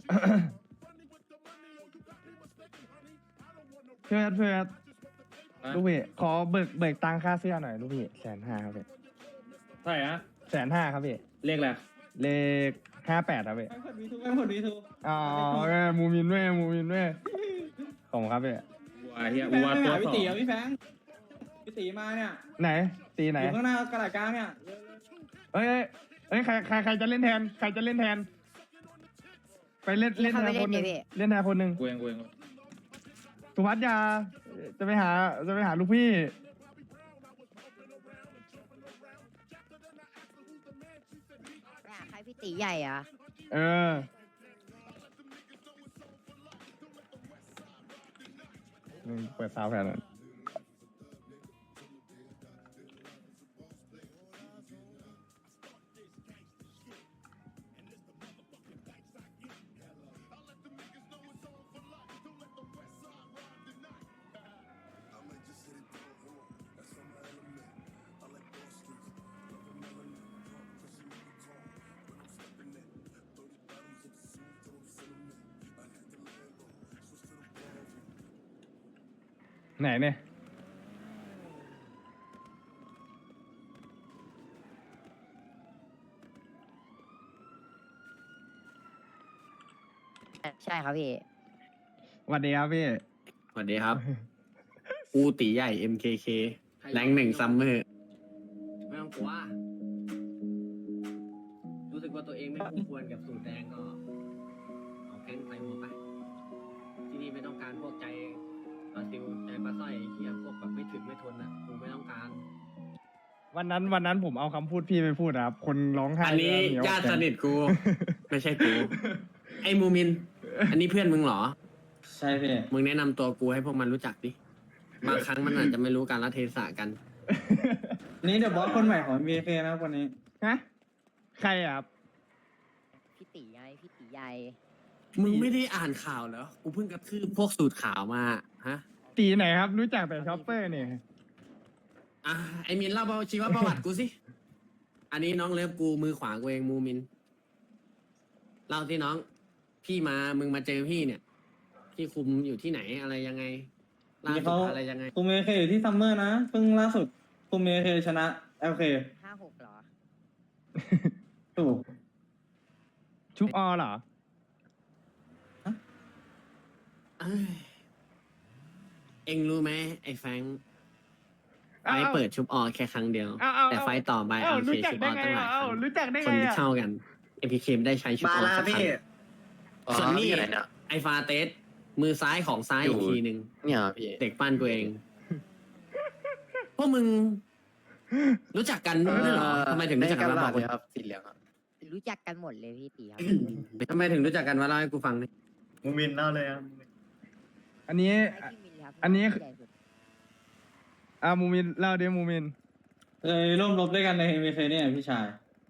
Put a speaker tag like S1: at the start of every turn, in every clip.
S1: เพื่อนลูกพี่ขอเบิกตังค่าเสื้อหน่อยลูกพี่150,000ครับพี่
S2: เท่าไหร่นะ
S1: 150,000ครับพี่
S2: เลขอะไร
S1: เลข58ครับพี่
S2: แม่งผลวีทู
S1: อ๋อมูมินด้วยขอบคุณครับพี่
S2: วัวเฮียวัวตัวพี่ตีอ่ะพี่แฟงพี่ตีมาเนี่ย
S1: ไหนตีไหน
S2: อยู่ข้างหน้ากระดาษกลางเนี่ย
S1: เอ้ยใครจะเล่นแทนไปเล่นแทนคนหนึ่งเล่นแทนคนหนึ่ง
S2: กูเอง
S1: สุพัฒน์ยาจะไปหาลูกพี่
S3: ใครพี่ตีใหญ่อะ
S1: เออเปิดซาวด์แผ่นนั้นไหนเนี่ย
S3: ใช่ครับพี่
S1: สวัสดีครับพี่
S4: สวัสดีครับ กูตีใหญ่ MKK แรง1ซัมเมอร์ไม่ต้องกลัว รู้สึกว่าตัวเองไม่คู่ควรกับสูตรแดงก็เอาแก๊งใส่หัวไป ที่นี่ไม่ต้องการพวกใจปลาซิวใจปลาสร้อยเฮียพวกแบบไม่ถึงไม่ทนอ่ะกูไม่ต้องการ
S1: วันนั้นผมเอาคำพูดพี่ไปพูดนะครับคนร้องไห้
S4: อันนี้
S1: เหยว
S4: ญาติสนิทกู ไม่ใช่กู ไอ้มูมิน อันนี้เพื่อนมึงเหรอ
S2: ใช่พี่
S4: มึงแนะนำตัวกูให้พวกมันรู้จักดิ บางครั้งมันอาจจะไม่รู้การละเทศะกัน
S2: นี่เดี๋ยวบอสคนใหม่ของ BK นะคนนี้
S1: ฮะใครอะครับ
S3: พี่ตีไงพี่ตีใหญ่
S4: มึงไม่ได้อ่านข่าวเหรอ กูเพิ่งกระทืบพวกสูตรข่าวมา ฮะ
S1: ตีไหนครับรู้จักแต่ช็อปเปอร์เนี่ย
S4: อ่ะไอมินเล่าชีวประวัติกูสิ อันนี้น้องเลิฟกูมือขวากูเองมูมิน เล่าที่น้อง พี่มา มึงมาเจอพี่เนี่ย พี่คุมอยู่ที่ไหนอะไรยังไงล่า
S2: นี่
S4: สุ
S2: เขา
S4: ดอะไรยังไง
S2: คุม BK อยู่ที่ซัมเมอร์นะเพิ่งล่าสุดคุม BK ชนะ LK
S3: 56เหรอ
S2: ถูก
S1: ชุบอเหรอ
S4: เอ้ยเอ็งรู้ไหมไอ้แฟรงค์
S1: อ้าว
S4: ไฟเปิดชุบออแค่ครั้งเดียว
S1: อ้าว
S4: แต่ไฟต่อไป
S1: อ้าว
S4: เอาเค
S1: รู้จัก
S4: ชุบ
S1: ได้
S4: ออ
S1: ไง
S4: ตั้งหลาย
S1: อ่ะ
S4: ค
S1: อ้าว
S4: รั้ง
S1: รู้จักได้
S4: คน
S1: ไง
S4: ที่
S1: อ่ะ
S4: เท่ากัน MPK ไม่ได้ใช้ชุบออสักครั้งส่วนนี่ไอฟาเตสมือซ้ายของซ้ายอีกทีหนึ่ง
S5: เนี่ยพี่
S4: เด็กปั้นกูเอง พวกมึง รู้จักกันด้วยเหรอทำไมถึงรู้จักกันวะบอก
S5: เลยครับสีเหลืองครับ
S3: รู้จักกันหมดเลยพี่ตีครับ
S4: ทำไมถึงรู้จักกันวะเล่าให้กูฟังดิ
S5: มูมินเล่าเลยครับ
S1: อันนี้
S3: ใช่พี่มิลครับ
S1: อันนี้
S3: พี่ใหญ่สุด
S1: มูมินเล่าดิมูมิน
S2: เลยร่วมรบด้วยกันใน BK เนี่ยพี่ชาย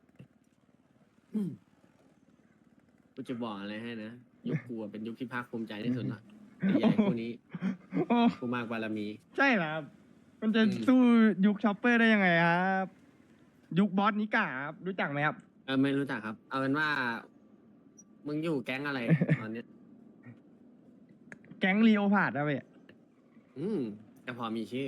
S4: กูจะบอกอะไรให้นะ ยุคกูอะเป็นยุคที่ภาคภูมิใจที่สุดละไอ้ใหญ่คู่นี้
S1: โอ้
S4: กูมากบารมี
S1: ใช่เหรอครับมันจะสู้ยุคช็อปเปอร์ได้ยังไงครับ ยุคบอสนิกาครับรู้จักไหมครับ
S4: ไม่รู้จักครับ เอาเป็นว่า มึงอยู่แก๊งอะไร ตอนเนี้ย
S1: แก๊งลีโอพาร์ดครับพี่
S4: แต่พอมีชื่อ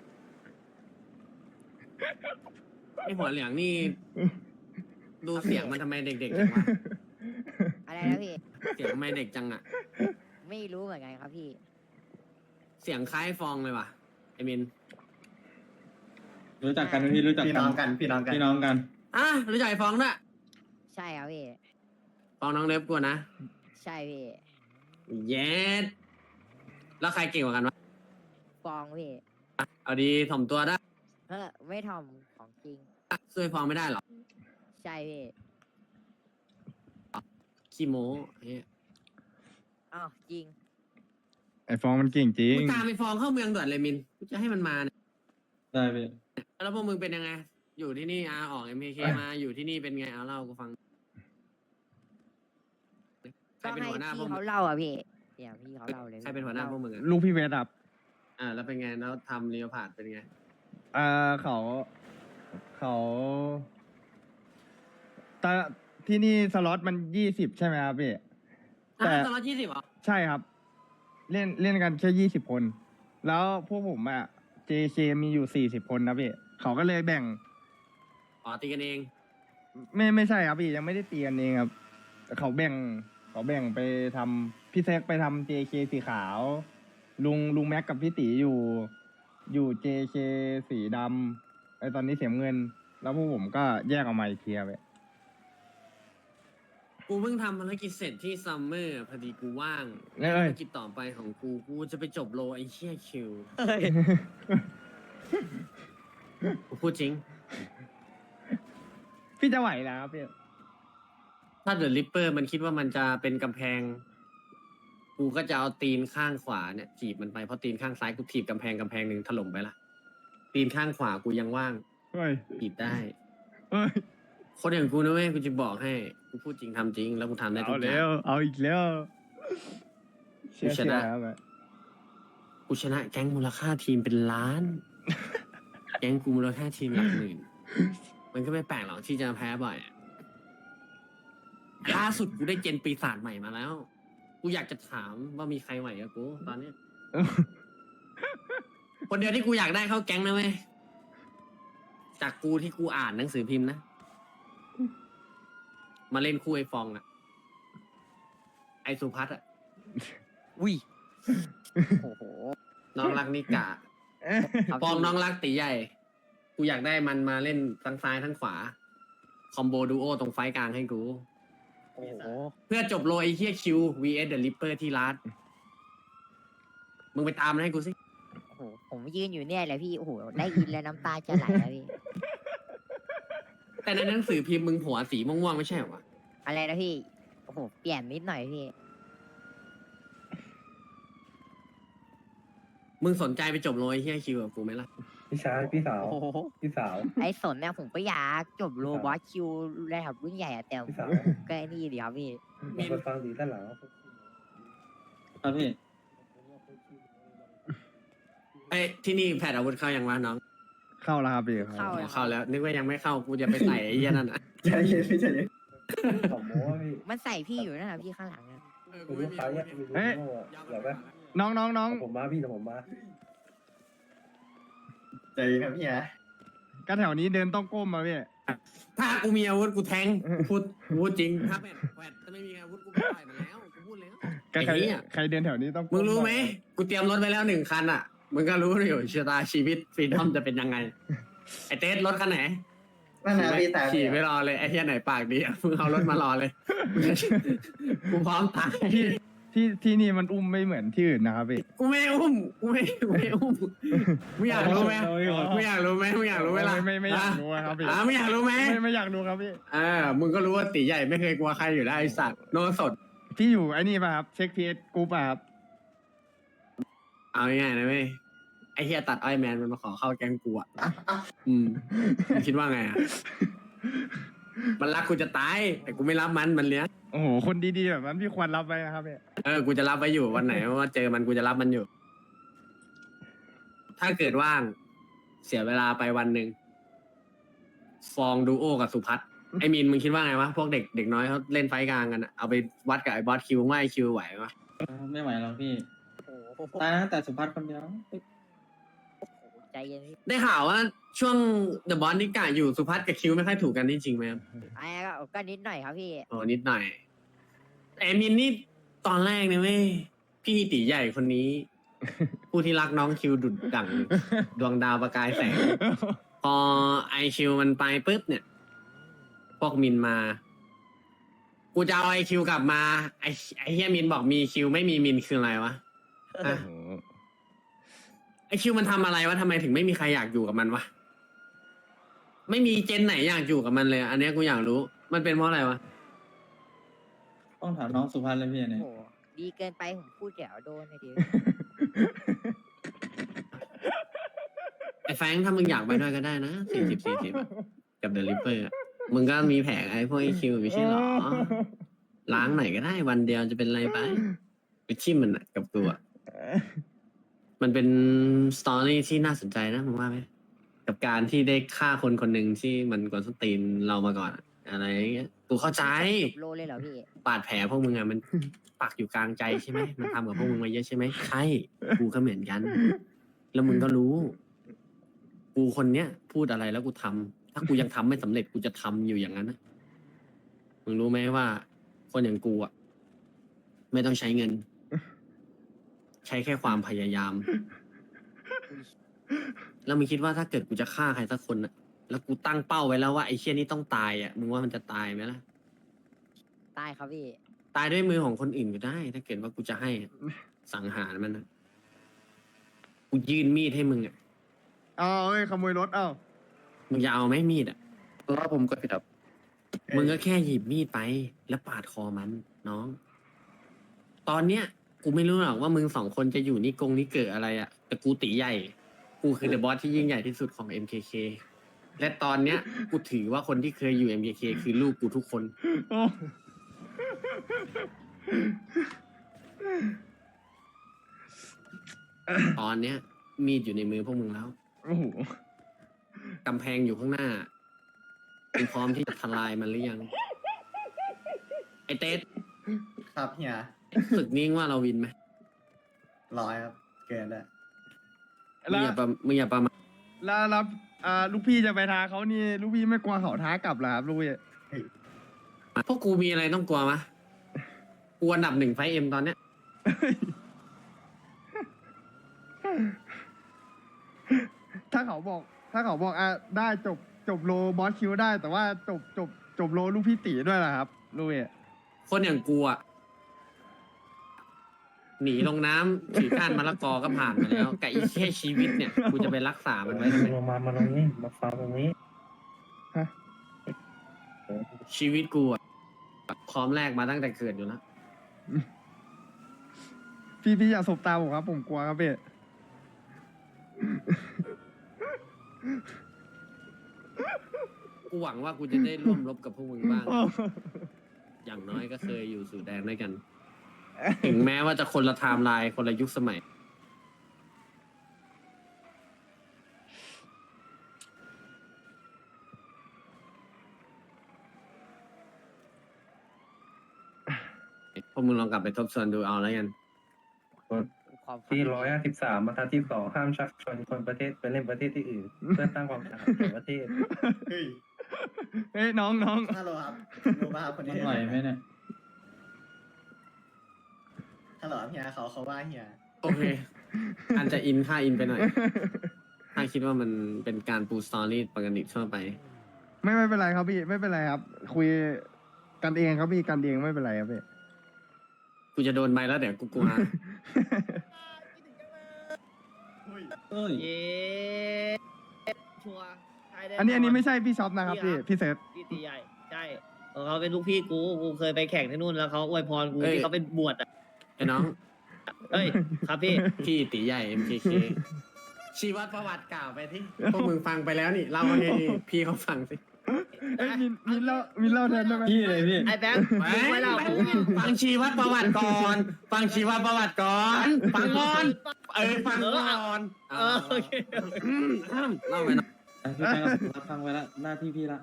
S4: ไอหัวเหลืองนี่ ดูเสียงมันทำไมเด็กๆจังวะ
S3: อะไรนะพี่
S4: เสียงทำไมเด็กจังอะ
S3: ไม่รู้เหมือนกันครับพี่
S4: เสียงคล้ายฟองเลยว่ะไอมิน
S2: รู้จักกันไหมพี่รู้จัก
S5: พี่น้องกันพี่น้องกัน
S2: พี่น้องกัน
S4: อ่ะรู้จักไอฟองด้วย
S3: ใช่ครับพี่
S4: ฟองน้องเล็บกูนะ
S3: ใช่พี่
S4: เย็ดแล้วใครเก่งกว่ากันวะ
S3: ฟองพี่
S4: เอาดีถ่อมตัวได้
S3: ไม่ทอมของจริง
S4: ช่วยฟองไม่ได้หรอ
S3: ใช่พี่
S4: ขี้โม้เฮ้ย
S3: อ้าวจริง
S1: ไอฟองมันเก่งจริง
S4: กูตามไอฟองเข้าเมืองด่วนเลยมินกูจะให้มันมาเนี่ย
S2: ได้พี่
S4: แล้วพวกมึงเป็นยังไง อยู่ที่นี่ออก MKK มาอยู่ที่นี่เป็นไงเอาเล่ากูฟังใคร
S3: ก็
S4: เป็น
S3: ให้
S4: หัวหน้าพว
S3: พี่
S4: กมึ
S3: เขา
S4: ง
S3: เล่าอ่ะพี่เดี๋ยวพี่เขาเล่าเลย
S4: ใครเป็นหัวหน้าพวกมึงอ่ะ
S1: ลูกพี่เวทครับ
S4: แล้วเป็นไงแล้วทำเรียวผ่านเป็นไง
S1: เขาตอนที่นี่สล็อตมัน20ใช่ไหมครับพี่แต่
S4: ตลอด20เหรอ
S1: ใช่ครับ เล่นกันแค่20 คน แล้วพวกผมอะ JK มีอยู่40 คนนะพี่เขาก็เลยแบ่ง
S4: อ๋อตีกันเอง
S1: ไม่ใช่ครับพี่ยังไม่ได้ตีกันเองครับแต่เขาแบ่งไปทำพี่แซกไปทำ JK สีขาว ลุงแม็กกับพี่ตีอยู่ JK สีดำไอตอนนี้เสียเงิน แล้วพวกผมก็แยกออกมาอีกทีครับพี่
S4: กูเพิ่งทำภารกิจเสร็จที่ซัมเมอร์พอดีกูว่าง
S1: เอ้ย
S4: ภารกิจต่อไปของกูจะไปจบโลไอ้เชี่ยคิวกูพูดจริง
S1: พี่จะไหวแล้วครับพี่
S4: ถ้าเดอะลิปเปอร์มันคิดว่ามันจะเป็นกำแพง กูก็จะเอาตีนข้างขวาเนี่ยถีบมันไปเพราะตีนข้างซ้ายกูถีบกำแพงหนึ่งถล่มไปละตีนข้างขวากูยังว่าง
S1: เฮ้ย
S4: ถีบได้
S1: เฮ้ย
S4: คนอย่างกูนะเว้ยกูจะบอกให้กูพูดจริงทำจริง แล้วกูทำได้ทุ
S1: เอา
S4: กอ
S1: แล้
S4: ย่าง
S1: ว เอาอีกแล้วเชื่อ
S4: ชนะ
S1: ครับพี่
S4: กูชนะแก๊งมูลค่าทีมเป็นล้าน แก๊งกูมูลค่าทีมหลักหมื่น มันก็ไม่แปลกหรอกที่จะแพ้บ่อยอะล่าสุดกูได้เจนปีศาจใหม่มาแล้ว กูอยากจะถามว่ามีใครไหวกับกูตอนเนี้ย คนเดียวที่กูอยากได้เข้าแก๊งนะเว้ย จากกูที่กูอ่านหนังสือพิมพ์นะ มาเล่นคู่ไอ้ฟองอะไอสุพัฒน์อะ
S3: อุ้ยโอ้โห
S4: น้องรักนิกา
S3: ครับ
S4: ฟอง
S3: พี่
S4: น้องรักตีใหญ่ กูอยากได้มันมาเล่นทั้งซ้ายทั้งขวา คอมโบดูโอตรงไฟกลางให้กู
S3: โอ้โห
S4: เพื่อจบโลไอเฮียคิว vs The Ripper ที่ร้านมึงไปตามมันให้กูสิ
S3: โอ้โหผมยืนอยู่เนี่ยแหละพี่โอ้โหได้ยินแล้วน้ำตาจะไหลแล้วพี่
S4: แต่ในหนังสือพิมพ์มึงหัวสีม่วงๆไม่ใช่เหรอวะ
S3: อะไรนะพี่โอ้โหเปลี่ยนนิดหน่อยพี่
S4: มึงสนใจไปจบโลไอเฮียคิวกับกูไหมล่ะ
S5: พี่ชายพี่สาว
S3: โอ้โห
S5: พี่สาว
S3: ไอ้สนเนี่ยผมก็อยากจบโรบอสคิวระดับรุ่นใหญ่อะแต่
S5: พี่สาว
S3: ก็ไอ้นี่ดีครับพี่
S4: มี
S5: มาฟังดีด้านหลัง
S2: ครับพี่
S4: ไอ้ยที่นี่แผดอาวุธเข้ายังวะน้อง
S1: เข้าแล้วครับพี่
S3: เข้า
S4: อ๋อเข้าแล้ว นึกว่ายังไม่เข้ากูจะไปใส่ไอ้เหี้ยนั่นอ่ะ
S5: ใจเย็นพี่ใจเย็นขอโม้พี่
S3: มันใส่พี่อยู่นะครับพี่ข้างหลังนะ
S5: มีลูกค้าเนี่ยมีลูกค้าอยากได้
S1: น้อง
S5: ผมมาพี่แต่ผมมาใจเย็นครับพี่ฮะ
S1: ก็แถวนี้เดินต้องก้มมาพี่
S4: ถ้ากูมีอาวุธกูแทงกูพูดจริงถ้าแผดถ้าไม่มีอาวุธกูไปต่อยมันแล้วกูพูดแล้ว
S1: ก็ใคร
S4: ไอ้เหี้ย
S1: ใครเดินแถวนี้ต้องก้
S4: มึงรู้ไหม
S1: น่อย
S4: กูเตรียมรถไว้แล้ว1 คันอ่ะ มึงก็รู้อยู่ชะตาชีวิตฟรีดอมจะเป็นยังไง ไอเต้รถคันไหน
S5: นั่นนะพี่แต่
S4: ขี่ไม่รอเลยไอ้เหี้ยไหนปากดีอะมึงเอารถมารอเลย กูพร้อมตาย
S1: ที่นี่มันอุ้มไม่เหมือนที่อื่นนะครับพี่
S4: กูไม่อุ้มกูไม่อุ้มมึงอยากรู้ไหมมึงอยากรู้ไหมมึงอยากรู้ไหมล่ะ
S1: ไม่อยากรู้อะครับพี่
S4: ไม่อยากรู้ไหม
S1: ไม่อยากรู้ครับพี่
S4: มึงก็รู้ว่าตีใหญ่ไม่เคยกลัวใครอยู่แล้วไอสัตว์โนสด
S1: พี่อยู่ไอ้นี่ป่ะครับเช็คพีเอสกูป่ะครับ
S4: เอาง่ายๆนะเว้ยไอเฮียตัดอ้อยแมนมันมาขอเข้าแก๊งกูอ่ะมึงคิดว่าไงอ่ะ มันรักกูจะตาย แต่กูไม่รับมันเลี้ยง
S1: โอ้โหคนดีๆแบบนั้นพี่ควรรับไว้นะครับพี่
S4: กูจะรับไว้อยู่วันไหนว่าเจอมันกูจะรับมันอยู่ ถ้าเกิดว่างเสียเวลาไปวันหนึ่งฟองดูโอกับสุพัฒน์ไอมีนมึงคิดว่าไงวะพวกเด็กน้อยเขาเล่นไฟกลางกันอะเอาไปวัดกับไอบอสคิวว่าไอคิวไหวปะ
S2: ไม่ไหวหรอกพี่
S3: โอ้โห
S2: ตายนะแต่สุภัทรคนเดียว
S3: ใจเย็นพี่
S4: ได้ข่าวว่าช่วงเดอะบอสนิกาอยู่สุพัฒน์กับคิวไม่ค่อยถูกกันนี่จริงไหมครับ
S3: ไอ้ก็นิดหน่อยครับพี่
S4: โอ้นิดหน่อยไอมินนี่ตอนแรกเนี่ยเว้ยพี่ตีใหญ่คนนี้ ผู้ที่รักน้องคิวดุดดั่งดวงดาวประกายแสง พอไอคิวมันไปปุ๊บเนี่ย พวกมินมา กูจะเอาไอคิวกลับมา ไอเฮียมินบอกมีคิวไม่มีมินคืออะไรวะฮะ
S1: โอ้โห
S4: ไอคิวมันทำอะไรวะทำไมถึงไม่มีใครอยากอยู่กับมันวะไม่มีเจนไหนอยากอยู่กับมันเลยอะอันเนี้ยกูอยากรู้ มันเป็นเพราะอะไรวะ
S2: ต้องถามน้องสุภัทรเลยพี่
S3: โอ้
S2: เนี่ย
S3: โหดีเกินไปผมพูดเดี๋ยวโดนเลยดิ
S4: ไอแฟรงค์ถ้ามึงอยากไปด้วยก็ได้นะ40กับเดลิเวอร์มึงก็มีแผงไอพวกไอคิวไม่ใช่หรอ ล้างไหนก็ได้วันเดียวจะเป็นไรไปไปชิมมันอะกับตัว มันเป็นสตอรี่ที่น่าสนใจนะมึงว่าไหมกับการที่ได้ฆ่าคนคนหนึ่งที่มันกวนส้นตีนเรามาก่อนอะอะไรอย่างเงี้ยกูเข้าใจ
S3: โลเลยเหรอพี่
S4: บาดแผลพวกมึงอะมันปักอยู่กลางใจใช่ไหมมันทำกับพวกมึงมาเยอะใช่ไหมใช่กูก็เหมือนกัน แล้วมึงก็รู้ กูคนเนี้ยพูดอะไรแล้วกูทำถ้ากูยังทำไม่สำเร็จกูจะทำอยู่อย่างนั้นนะมึงรู้ไหมว่า คนอย่างกูอ่ะไม่ต้องใช้เงิน ใช้แค่ความพยายาม แล้วมึงคิดว่าถ้าเกิดกูจะฆ่าใครสักคนอ่ะ แล้วกูตั้งเป้าไว้แล้วว่าไอ้เชี่ยนี่ต้องตายอ่ะมึงว่ามันจะตายไหมล่ะ
S3: ตายครับพี่
S4: ตายด้วยมือของคนอื่นก็ได้ ถ้าเกิดว่ากูจะให้อะสังหารมันนะกูยื่นมีดให้มึงอ่ะ
S1: เอาเอ้ยขโมยรถเอ้า
S4: มึงจะเอาไหมมีดอ่ะ
S6: รอบผมกดผิดครับ
S4: มึงก็แค่หยิบมีดไป แล้วปาดคอมันน้อง ตอนเนี้ย กูไม่รู้หรอกว่ามึงสองคนจะอยู่นี่กงนี่เกิดอะไรอ่ะ แต่กูตีใหญ่ กูคือเดอะบอสที่ยิ่งใหญ่ที่สุดของ MKK และตอนเนี้ย กูถือว่าคนที่เคยอยู่ MKK คือลูกกูทุกคน
S1: โอ้
S4: ตอนเนี้ย มีดอยู่ในมือพวกมึงแล้ว
S1: โอ้โห
S4: กำแพงอยู่ข้างหน้ามึงพร้อมที่จะทลายมันหรือยัง ไอเต๊ด
S5: ครับเฮีย
S4: ศึกนี้ว่าเราวินไหม
S5: 100ครับ เกินได้
S4: มึงอย่าประมาท
S1: แล้วลูกพี่จะไปท้าเขานี่ ลูกพี่ไม่กลัวเขาท้ากลับเหรอครับลูกพี่
S4: พวกกูมีอะไรต้องกลัวมะกูอันดับ1 ไฟเอ็มตอนเนี้ย
S1: ถ้าเขาบอกได้จบโลบอสคิวได้ แต่ว่าจบโลลูกพี่ตีด้วยเหรอครับลูกพี่
S4: คนอย่างกูอ่ะ หนีลงน้ำถือก้านมะละกอก็ผ่านมาแล้วกับอีกแค่ชีวิตเนี่ย กูจะไปรักษามันไว้ทำไม
S5: มาตรงนี้ มาฟังตรงนี้
S1: ฮะ
S4: ชีวิตกูอ่ะพร้อมแลกมาตั้งแต่เกิดอยู่แล้ว
S1: พี่อย่าสบตาผมครับ ผมกลัวครับพี่
S4: กูหวังว่ากูจะได้ร่วมรบกับพวกมึงบ้าง อย่างน้อยก็เคยอยู่สู่แดนด้วยกัน ถึงแม้ว่าจะคนละไทม์ไลน์คนละยุคสมัย พวกมึงลองกลับไปทบทวนดูเอาแล้วกัน
S3: ความฝัน
S6: ที่153บรรทัดที่ 2ห้ามชักชวนคนประเทศไปเล่นประเทศที่อื่น เพื่อสร้างความสะอาดแก่ประเทศ
S5: เฮ้ย
S1: เฮ้ยน้อง
S5: ฮัลโหลครับรู้ป่ะครับคนนี้
S2: มันไหวไหมเนี่ย
S5: ฮัลโหลครับเฮียเขาว่าเฮีย
S4: โอเค อันจะอินค่าอินไปหน่อย ถ้าคิดว่ามันเป็นการปูสตอรี่ปกติทั่วไป
S1: ไม่เป็นไรครับพี่ ไม่เป็นไรครับ คุยกันเองครับพี่กันเองไม่เป็นไรครับพี่
S4: กูจะโดนใบแล้วเดี๋ยวกูกลัว
S2: เอ้ย
S7: เย้ชัวร์ใช่แ
S1: อันนี้ไม่ใช่พี่ช็อปนะครับพี่พี่เซฟ
S7: พี่ตีใหญ่ ใช่เขาเป็นลูกพี่กูเคยไปแข่งที่นู่นแล้วเขาอวยพรกู
S4: เอ้ย
S7: ที่เขาเป็นบวชอ่ะ
S4: ไอ้น้อง
S7: เอ้ย ครับพี่
S4: พี่ตีใหญ่ MKK ชีวประวัติกล่าวไปที่ พวกมึงฟังไปแล้วนี่ เล่าให้พี่เขาฟังสิ
S1: เอ้ยมินเล่าแทนได้ไหม
S2: พี่เลยพี่
S7: ไอ้แบงค์มึงไม่เล่ากู
S4: ฟังชีวประวัติก่อน ฟังชีวประวัติก่อน ฟังก่อน ฟังก่อน
S7: โอเค
S4: เล่าไปนะ
S2: พี่แบงค์รับฟังไว้ละหน้าที่พี่ละ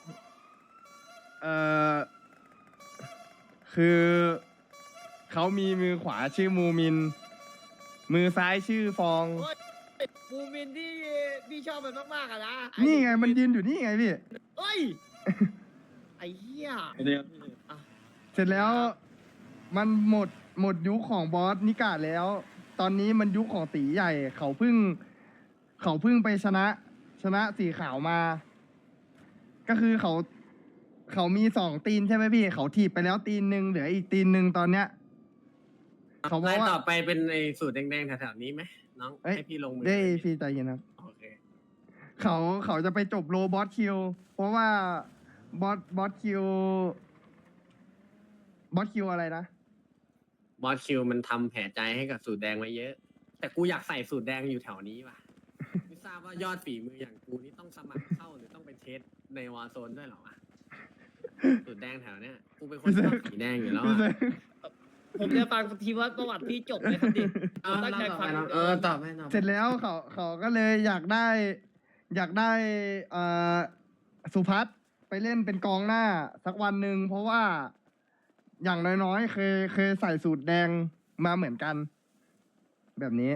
S1: คือเขามีมือขวาชื่อมูมิน มือซ้ายชื่อฟอง
S7: มูมินที่พี่ชอบมันมากๆอะนะ
S1: นี่ไงมันยืนอยู่นี่ไงพี่
S7: เอ้ย ไอ้เหี้ย
S2: เดี๋ยว
S1: เสร็จแล้วมันหมดยุคของบอสนิกาแล้ว ตอนนี้มันยุคของตีใหญ่ เขาเพิ่งไปชนะสีขาวมา ก็คือเขามี2 ตีนใช่ไหมพี่ เขาถีบไปแล้วตีนหนึ่งเหลืออีกตีนหนึ่งตอนเนี้ย เขาบอก
S4: ไล่
S1: ว่า
S4: ต่อไปเป็นไอ้สูตรแดงๆแถวๆนี้ไหมน้อง
S1: เอ้ย
S4: ให้พี่ลงมือ
S1: ได้พี่ใจเย็นครับ
S4: โอเค
S1: เขาจะไปจบโลบอสคิว เพราะว่าบอสคิวอะไรนะ
S4: บอสคิวมันทำแผลใจให้กับสูตรแดงไว้เยอะ แต่กูอยากใส่สูตรแดงอยู่แถวนี้ว่ะ ไม่ทราบว่ายอดฝีมืออย่างกูนี่ต้องสมัครเข้าหรือต้องไปเทสในวาโซนด้วยเหรอวะ สูตรแดงแถวเนี้ยกูเป็นคนชอบสีแดงอยู่แล้ว
S1: พี่
S4: อะ
S1: เซฟ
S7: ผมจะฟังทีว่าประวัติพี่จบเลยครับดิ
S4: เอา
S7: ตั้งใจ
S4: เล่าต่อ
S7: ฟั
S4: ไป
S7: ง
S4: น้องตอบให้ตอบ
S1: เสร็จแล้วเขาก็เลยอยากได้สุพัฒน์ไปเล่นเป็นกองหน้าสักวันหนึ่งเพราะว่าอย่างน้อยๆเคยใส่สูตรแดงมาเหมือนกัน แบบนี้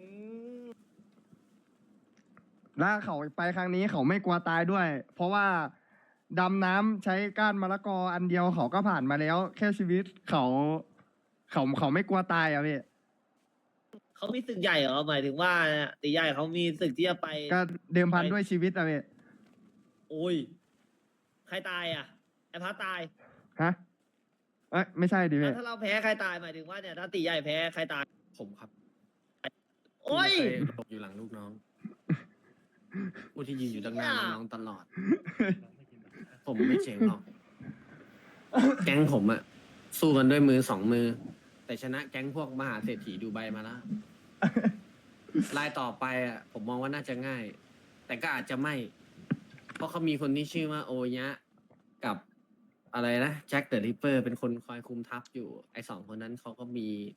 S1: แล้วเขาไปครั้งนี้เขาไม่กลัวตายด้วย เพราะว่าดำน้ำใช้ก้านมะละกออันเดียวเขาก็ผ่านมาแล้ว แค่ชีวิตเขาไม่กลัวตายอ่ะพี่
S7: เขามีศึกใหญ่เหรอหมายถึงว่าตีใหญ่เขามีศึกที่จะไป
S1: ก็เดิมพันด้วยชีวิตอ่ะพี่
S7: โอ้ยใครตายอ่ะไอ้พัดตาย
S1: ฮะเอ้ยไม่ใช่ดิพี่
S7: ถ้าเราแพ้ใครตายหมายถึงว่าเนี่ยถ้าตีใหญ่แพ้ใครตาย
S4: ผมครับ
S7: โอ้ย
S4: ที่ไม่เคหลบอยู่หลังลูกน้องผู้ที่ยืนอยู่ด้านหน้าน้องๆตลอด ผมไม่เจ๋งหรอก แก๊งผมอะสู้กันด้วยมือสองมือ แต่ชนะแก๊งพวกมหาเศรษฐีดูไบมาแล้ว รายต่อไปอะผมมองว่าน่าจะง่าย แต่ก็อาจจะไม่ เพราะเขามีคนที่ชื่อว่าโอยะกับอะไรนะแจ็คเดอะริปเปอร์เป็นคนคอยคุมทัพอยู่ ไอ้สองคนนั้นเขาก็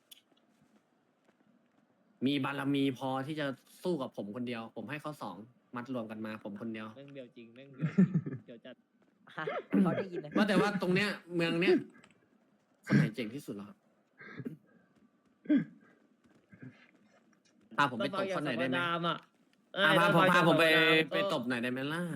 S4: มีบารมีพอที่จะสู้กับผมคนเดียว ผมให้เขาสองมัดรวมกันมาผมคนเดียว
S7: แม่งเบียวจริงแม่งเบียวจริงเดี๋ยวจะ
S3: ฮะเขาได้ยินนะ
S4: ว่าแต่ว่าตรงเนี้ยเมืองเนี้ยคนไหนเจ๋งที่สุดเหรอครับพาผมไปตบคนไหนได้ไหม
S7: ต้องฟังอย่างสัมปทานอ่ะ
S4: พาผมไป
S7: ต้องฟังจากสัมปทาน
S4: ไปตบหน่อยได้ไหมล่ะ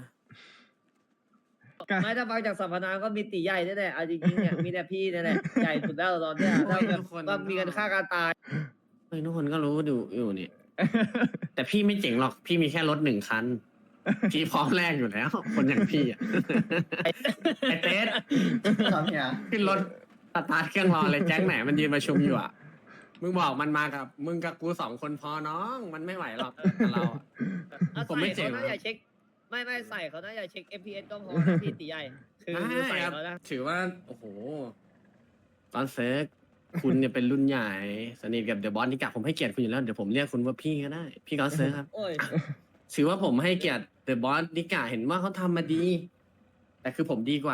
S7: ไม่ถ้าฟังจากสัมปทานก็มีตีใหญ่นี่แหละเอาจริงๆเนี่ยมีแต่พี่นี่แหละใหญ่สุดแล้วตอนเนี้ยถ้าแบบ
S4: ทุกคน
S7: ว่ามีกันฆ่ากันตาย
S4: เฮ้ยทุกคนก็รู้อยู่นี่ แต่พี่ไม่เจ๋งหรอก พี่มีแค่รถ1 คัน พี่พร้อมแรกอยู่แล้ว คนอย่างพี่อ่ะ ไอเต๊ด
S5: ครับเฮีย
S4: ขึ้นรถสตาร์ทเครื่องรอเลยแจ็คไหนมันยืนประชุมอยู่อ่ะ มึงบอกมันมากับมึงกับกู2 คนพอน้อง มันไม่ไหวหรอกกับเราอะ ผมไม่เจ๋ง
S7: เขา
S4: หรอก
S7: น่าจะเช็คไม่ใส่เขาน่าจะเช็ค FPS ก็พอนะพี่ตีใหญ่คือใส่
S4: ได้ครับ
S7: เขานะ
S4: ถือว่า โอ้โหตอนเซิร์กคุณเนี่ยเป็นรุ่นใหญ่ สนิทกับเดอะบอสนิกะผมให้เกียรติคุณอยู่แล้ว เดี๋ยวผมเรียกคุณว่าพี่ก็ได้ พี่กอนเซิร์กครับ
S7: โอ้ย
S4: ถือว่าผมให้เกียรติเดอะบอสนิกะเห็นว่าเขาทำมาดี แต่คือผมดีกว่า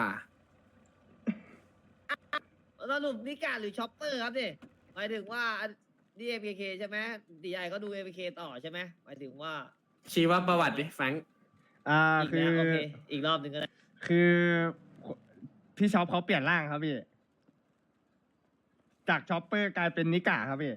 S7: สรุปนิกาหรือช็อปเปอร์ครับเนี่ยหมายถึงว่านี่ MKK ใช่ไหมตีใหญ่เขาดู MKK ต่อใช่ไหมหมายถึงว่า
S4: ชีวประวัติดิแฟรงค์
S7: อีก
S1: คือ
S7: แล้วโอเคอีกรอบหนึ่งก็ได้
S1: คือพี่ช็อปเขาเปลี่ยนร่างครับพี่ จากช็อปเปอร์กลายเป็นนิกะครับพี่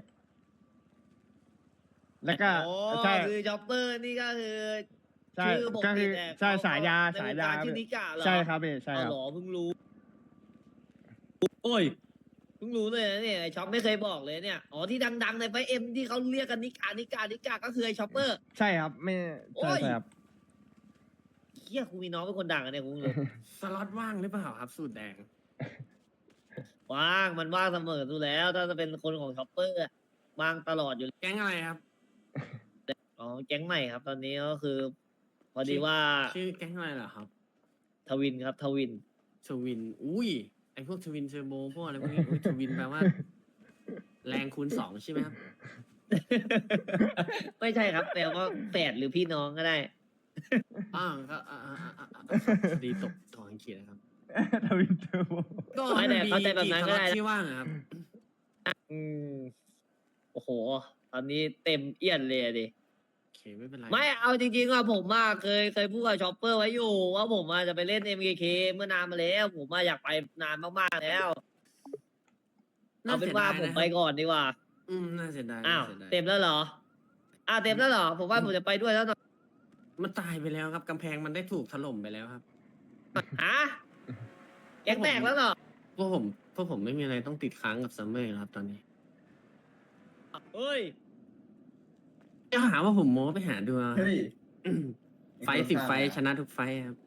S1: แล้วก็
S7: โอ้
S1: ใช่
S7: คือช็อปเปอร์นี่ก็คือ
S1: ใช่
S7: ชื่อปก
S1: ก็
S7: ติ
S1: คือ
S7: แต่
S1: ใช่
S7: เข
S1: ฉายา
S7: ใน
S1: ฉาว
S7: ง
S1: ยา
S7: การชื่อนิกะเหรอ
S1: ใช่ครับพี่ใช่
S7: เอา
S1: ครับ
S7: เหรอเพิ่งรู้โอ้ยเพิ่งรู้เลยนะเนี่ยไอช็อปไม่เคยบอกเลยเนี่ยอ๋อที่ดังๆในไฟเอ็มที่เขาเรียกกันนิกาก็คือไอช็อปเปอร์
S1: ใช่ครับไม่
S7: โอ้
S1: ใช่
S7: ย
S1: ใช่ครับ
S7: เฮียกูมีน้องเป็นคนดังอะเนี่ยกูงง
S4: สล็อตว่างหรือเปล่าครับสูตรแดง
S7: ว่างมันว่างเสมอดูแล้ว ถ้าจะเป็นคนของช็อปเปอร์อะว่างตลอดอยู่
S4: แก๊งอะไรครับ
S7: อ๋อแก๊งใหม่ครับ ตอนนี้ก็คือ พอดีว่า
S4: ชื่อแก๊งอะไรเหรอครับ
S7: ทวินครับทวิน
S4: ทวิน อุ้ย ไอพวกทวินเทอร์โบพวกอะไรพวกนี้อุ๊ยทวินแปลว่า แรงคูณ 2 ใช่ไหมครับ
S7: ไม่ใช่ครับแปลว่าแฝดหรือพี่น้องก็ได้
S4: ก็ดีตกทองอังกฤษนะครับ
S1: ทวินเทอร์โบ
S4: ก็
S7: ไม่แต่
S4: มี
S7: เข้าใจแบบนั้นก็ได้
S4: กี่สล็อตที่ว่างอะครับ
S7: อืมโอ้โห ตอนนี้เต็มเอี้ยนเลยอะดิ
S4: โอเคไม่เป็นไร
S7: ไม่เอาจริงๆว่าผมว่าเคยพูดกับช็อปเปอร์ไว้อยู่ ว่าผมว่าจะไปเล่น MKK เมื่อนานมาแล้ว ผมว่าอยากไปนานมากๆแล้ว เอาเป็นว่าผมไปก่อนดีกว่า
S4: น่าเสียดาย
S7: อ้าว
S4: น่าสียดาย
S7: เต็มแล้วเหรอเต็มแล้วเหรอ ผมว่าผมจะไปด้วยแล้วหน่อย
S4: มันตายไปแล้วครับกำแพงมันได้ถูกถล่มไปแล้วครับ
S7: ฮะแก๊งแตกแล้วเหรอ
S4: พวกผมไม่มีอะไรต้องติดค้างกับซัมเมอร์ครับตอนนี้
S7: เฮ้ย
S4: จะหาว่าผมโม้ไปหาดูเอา
S5: เฮ้ย
S4: ไฟต์10 ไฟต์ชนะทุกไฟต์ครับ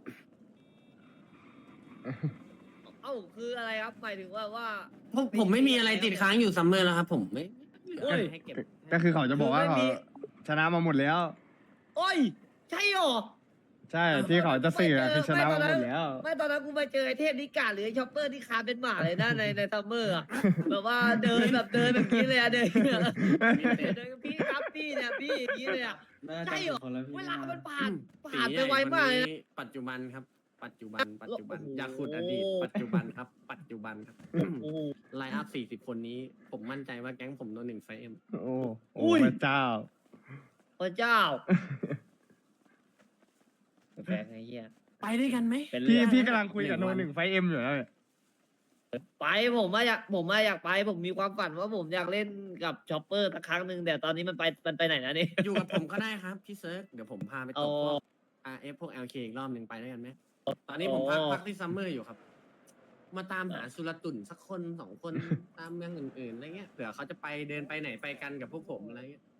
S7: เอ้าคืออะไรครับหมายถึงว่า
S4: ผมไม่มีอะไรติดค้างอยู่ซัมเมอร์แล้วครับ ผมไม่
S7: โอ้ย
S4: ให้เก็บ
S1: ก็คือเขาจะบอกว่า
S7: คือไม่
S1: เขา
S7: มี
S1: ชนะมาหมดแล้ว
S7: โอ้ย ใช่เหรอ
S1: ใช่ที่เขาจะสื่ออะคือชนะมาหมดแล้ว
S7: ไม่ตอนนั้นกูไปเจอไอเทพนิกาหรือไอช็อปเปอร์ที่คาเป็นหมาเลยนะในซัมเมอร์อะแบบว่าเดินแบบนี้เลยอะเดินพี่ครับพี่เนี่ยพี่อย่างนี้เลยอะ ใช่เหรอ เวลามันผ่านไปไวมากเลยนะ
S4: ปัจจุบันครับ ปัจจุบัน
S7: โอ้โห
S4: อย่าขุดอดีตปัจจุบันครับ ปัจจุบันครับ
S7: โอ้โห
S4: ไลน์อัพ40 คนนี้ ผมมั่นใจว่าแก๊งผมโดน1 ไฟเอ็ม
S1: โอ้
S7: อุ้ย
S1: พระเจ้า
S7: พระเจ้าแปลกไงเฮีย
S4: ไปด้วยกันไหม
S7: เป็น
S1: พี่
S7: เรื่อง
S1: พี่กำลังคุยกับ
S4: หนึ่
S1: โน
S4: งวัน
S1: หนึ่งไฟเอ็มอยู่แล้วเนี่ย
S7: ไปผมอยากไปผมมีความฝันว่าผมอยากเล่นกับชอปเปอร์สักครั้งหนึ่งแต่ตอนนี้มันไปไหนนะนี่
S4: อยู่กับผมก็ได้ครับพี่เซิร์กเดี๋ยวผมพาไปตบพวก RF พวก LK อีกรอบหนึ่งไปด้วยกันไหมตอนนี้ผมพักที่ซัมเมอร์อยู่ครับ มาตามหาสุลตุ่นสักคนสองคนตามเมืองอื่นๆอะไรเงี้ยเผื่อเขาจะไปเดินไปไหนไปกันกับพวกผมอะไรเงี้ย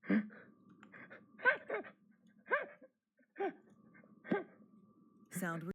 S8: Sound